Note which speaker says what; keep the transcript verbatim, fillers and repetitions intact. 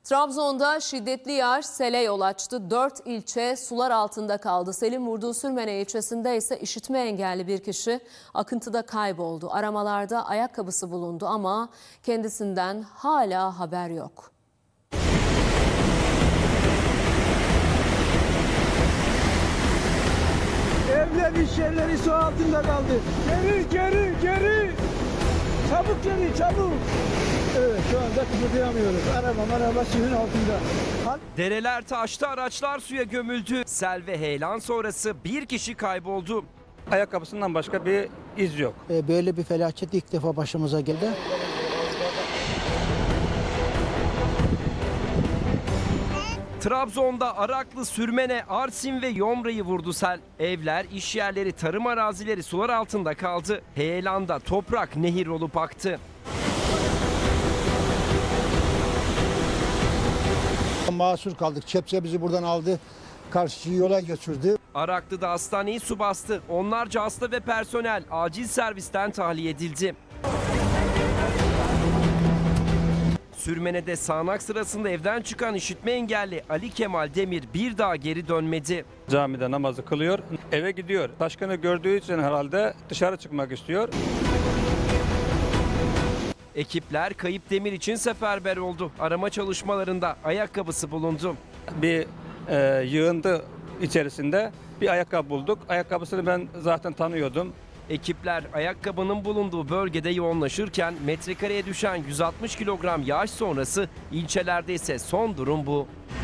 Speaker 1: Trabzon'da şiddetli yağış sele yol açtı. Dört ilçe sular altında kaldı. Selin vurduğu Sürmene ilçesinde ise işitme engelli bir kişi akıntıda kayboldu. Aramalarda ayakkabısı bulundu ama kendisinden hala haber yok.
Speaker 2: Evler, iş yerleri su altında kaldı. Geri, geri, geri. Çabuk geri, çabuk. Evet, şu anda kıpırdayamıyoruz. Araba, araba suyun altında.
Speaker 3: Dereler taştı, araçlar suya gömüldü. Sel ve heyelan sonrası bir kişi kayboldu.
Speaker 4: Ayakkabısından başka bir iz yok.
Speaker 5: Böyle bir felaket ilk defa başımıza geldi.
Speaker 3: Trabzon'da Araklı, Sürmene, Arsin ve Yomra'yı vurdu sel. Evler, iş yerleri, tarım arazileri sular altında kaldı. Heyelanda toprak nehir olup aktı.
Speaker 5: Mahsur kaldık. Çepse bizi buradan aldı. Karşı yola götürdü.
Speaker 3: Araklı'da hastaneyi su bastı. Onlarca hasta ve personel acil servisten tahliye edildi. Sürmene'de sağanak sırasında evden çıkan işitme engelli Ali Kemal Demir bir daha geri dönmedi.
Speaker 4: Camide namazı kılıyor, eve gidiyor. Taşkını gördüğü için herhalde dışarı çıkmak istiyor.
Speaker 3: Ekipler kayıp Demir için seferber oldu. Arama çalışmalarında ayakkabısı bulundu.
Speaker 4: Bir e, yığıntı içerisinde bir ayakkabı bulduk. Ayakkabısını ben zaten tanıyordum.
Speaker 3: Ekipler ayakkabının bulunduğu bölgede yoğunlaşırken metrekareye düşen yüz altmış kilogram yağış sonrası ilçelerde ise son durum bu.